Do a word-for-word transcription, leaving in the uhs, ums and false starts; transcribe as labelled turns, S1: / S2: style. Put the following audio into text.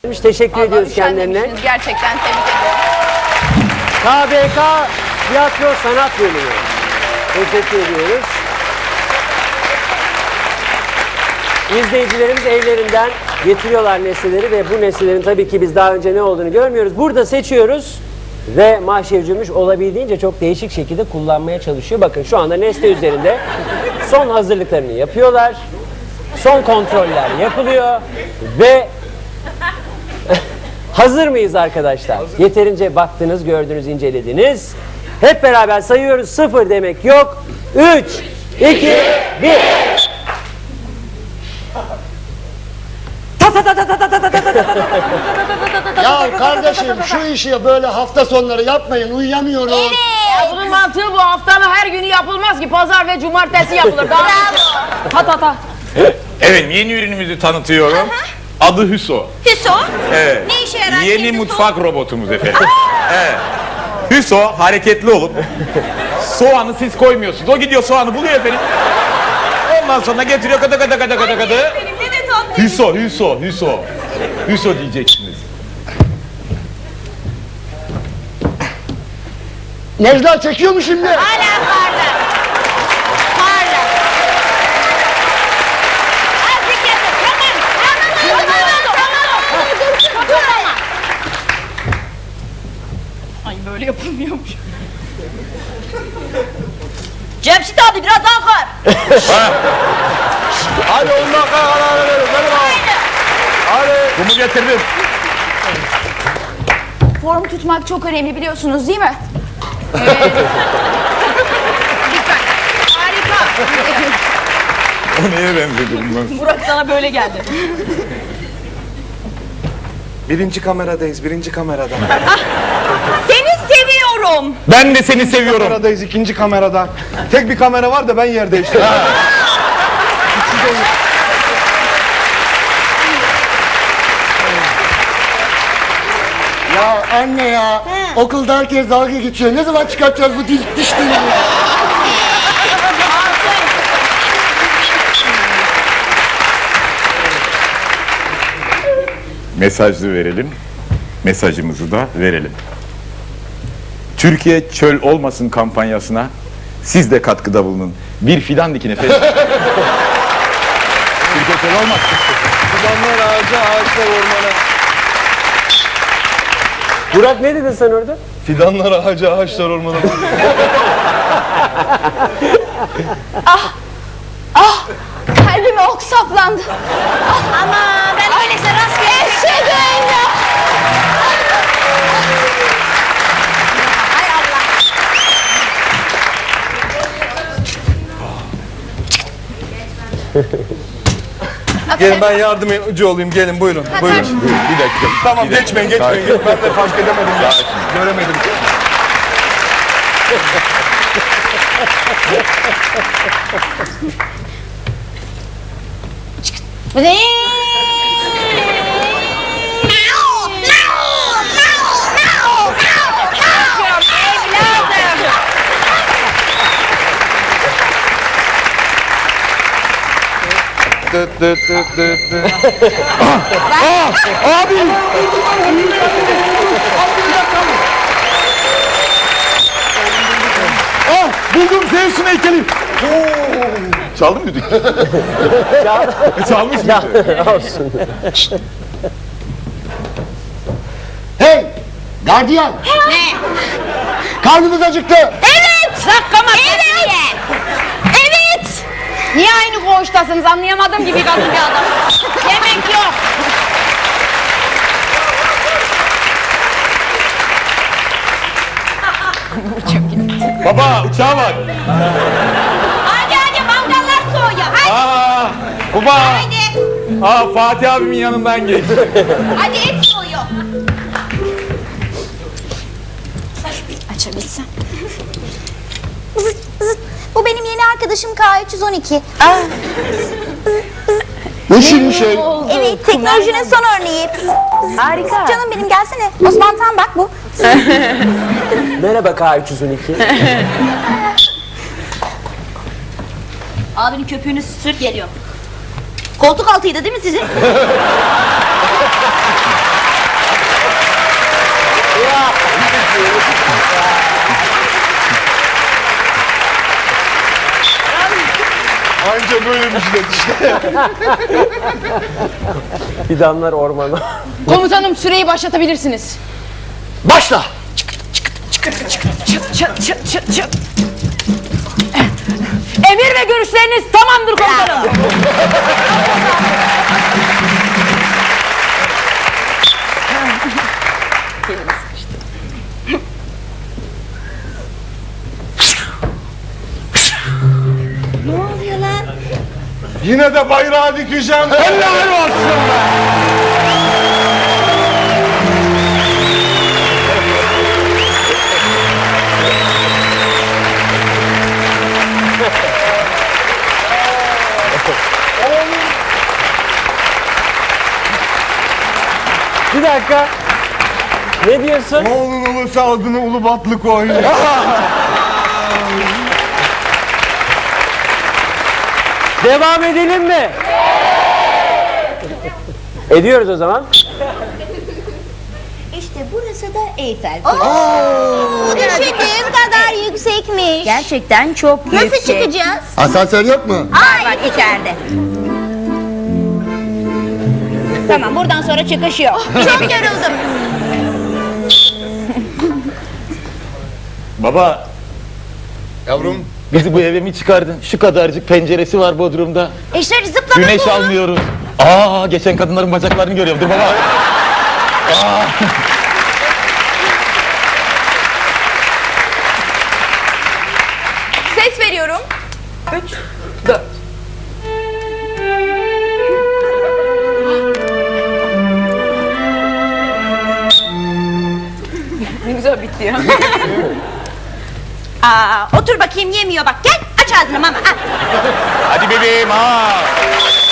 S1: Teşekkür
S2: Vallahi
S1: ediyoruz kendilerine.
S2: Gerçekten tebrik ederim.
S1: K B K Tiyatro Sanat Bölümü. Teşekkür ediyoruz. İzleyicilerimiz evlerinden getiriyorlar nesneleri ve bu nesnelerin tabii ki biz daha önce ne olduğunu görmüyoruz. Burada seçiyoruz ve Mahşer Cümbüş olabildiğince çok değişik şekilde kullanmaya çalışıyor. Bakın şu anda nesne üzerinde son hazırlıklarını yapıyorlar. Son kontroller yapılıyor ve hazır mıyız arkadaşlar? Hazır. Yeterince baktınız, gördünüz, incelediniz. Hep beraber sayıyoruz. Sıfır demek yok. Üç, iki, bir.
S3: Ya kardeşim şu işi böyle hafta sonları yapmayın, uyuyamıyorum.
S4: Evet. Ya bunun mantığı bu, haftanın her günü yapılmaz ki, pazar ve cumartesi yapılır. Daha ta ta ta.
S5: Evet, yeni ürünümüzü tanıtıyorum. Aha. Adı Hüso.
S6: Hüso?
S5: Evet.
S6: Ne işe yarar?
S5: Yeni mutfak robotumuz efendim. Evet. Hüso hareketli olup soğanı siz koymuyorsunuz. O gidiyor soğanı buluyor efendim. Ondan sonra getiriyor kada kada kada kada kada. Hüso, Hüso, Hüso. Hüso diyeceksiniz.
S3: Necla çekiyor mu şimdi?
S6: Hala parla. Parla. Azıcık yapın. Tamam. Tamam. Tamam. Tamam.
S4: Ay böyle yapılmıyormuş.
S6: Cemşit abi biraz daha kar.
S5: Hadi on dakika karar verelim. Hadi. Kumu getirdim.
S2: Form tutmak çok önemli biliyorsunuz değil mi? Evet. Lütfen. Harika.
S5: O neye benzedim ben?
S4: Burak sana böyle geldi.
S7: Birinci kameradayız, birinci kamerada.
S6: Seni seviyorum.
S5: Ben de seni seviyorum.
S7: Kameradayız, ikinci kamerada. Tek bir kamera var da ben yer değiştirdim.
S3: Ya anne ya, okulda herkes dalga geçiyor. Ne zaman çıkartacağız bu dil, diş dilini?
S5: Mesajı verelim. Mesajımızı da verelim. Türkiye çöl olmasın kampanyasına siz de katkıda bulunun. Bir fidan dikin efendim. Türkiye çöl olmasın.
S7: Fidanlar ağaca, ağaçlar ormana.
S1: Burak ne dedin sen orada?
S7: Fidanlar ağaca, ağaçlar ormana.
S2: Kalbime ok saplandı.
S6: Ama ben öyleyse rastgele
S2: Eşek öyle.
S6: Hay Allah.
S7: Gelin ben yardımcı olayım, gelin buyurun. Buyurun.
S5: Bir dakika.
S7: Tamam
S5: Bir dakika.
S7: geçmeyin, geçmeyin.
S5: Sakin.
S7: Ben de fark edemedim ya. Göremedim.
S6: Ne?
S7: Dıt dıt dıt dıt dıt.
S5: Abi! Ah! Buldum Zeus'un heykeli. Çaldı mı düdük? Çalmış mıydı?
S1: Olsun.
S3: Hey, gardiyan,
S6: Ne?
S3: karnımız acıktı.
S6: Evet.
S4: Sakama
S6: Evet. Evet.
S4: Niye aynı koğuştasınız anlayamadım gibi kadın bir adam. Yemek yok.
S5: Baba uçağa bak.
S6: Hadi hadi mangallar soğuyor. Hadi.
S5: Aa! Baba!
S6: Hadi.
S5: Aa Fatih abimin yanından geç.
S6: Hadi et soğuyor.
S8: Açabilsem. Zıt, zıt. Bu benim yeni arkadaşım K üç yüz on iki.
S3: Ne şirin şey.
S8: Evet, teknolojinin son örneği. Harika. Canım benim gelsene. Osman Tan bak bu.
S1: Merhaba K üç yüz on iki.
S6: Abinin köpüğünü sür geliyor. Koltuk altıydı değil mi sizin?
S7: Anca böyle bir şey işte.
S1: Fidanlar ormana.
S4: Komutanım süreyi başlatabilirsiniz.
S3: Başla.
S4: Çıt çıt çıt çıt çıt. Emir ve görüşleriniz tamamdır komutanım.
S8: Ne oluyor lan?
S7: Yine de bayrağı dikeceğim. Helal olsun be.
S1: Bir dakika. Ne diyorsun?
S7: Oğlun ulusu adını Ulubatlı koy.
S1: Devam edelim mi? Ediyoruz o zaman.
S8: İşte burası da Eyfel Kulesi. Düşündüğüm kadar yüksekmiş. Gerçekten çok yüksek. Nasıl çıkacağız?
S3: Asansör yok mu?
S8: Ay var içeride. Tamam buradan sonra çıkış yok. Çok yoruldum.
S5: Baba,
S7: Yavrum.
S5: bizi bu eve mi çıkardın? Şu kadarcık penceresi var Bodrum'da.
S8: E şöyle zıplama
S5: Güneş
S8: bu.
S5: almıyoruz. Aa, geçen kadınların bacaklarını görüyorum. Dur baba.
S2: Ses veriyorum.
S4: Üç, dört. Ne güzel bitti ya.
S8: Aa, otur bakayım yemiyor bak. Gel aç ağzını mama. Al.
S5: Hadi bebeğim ha.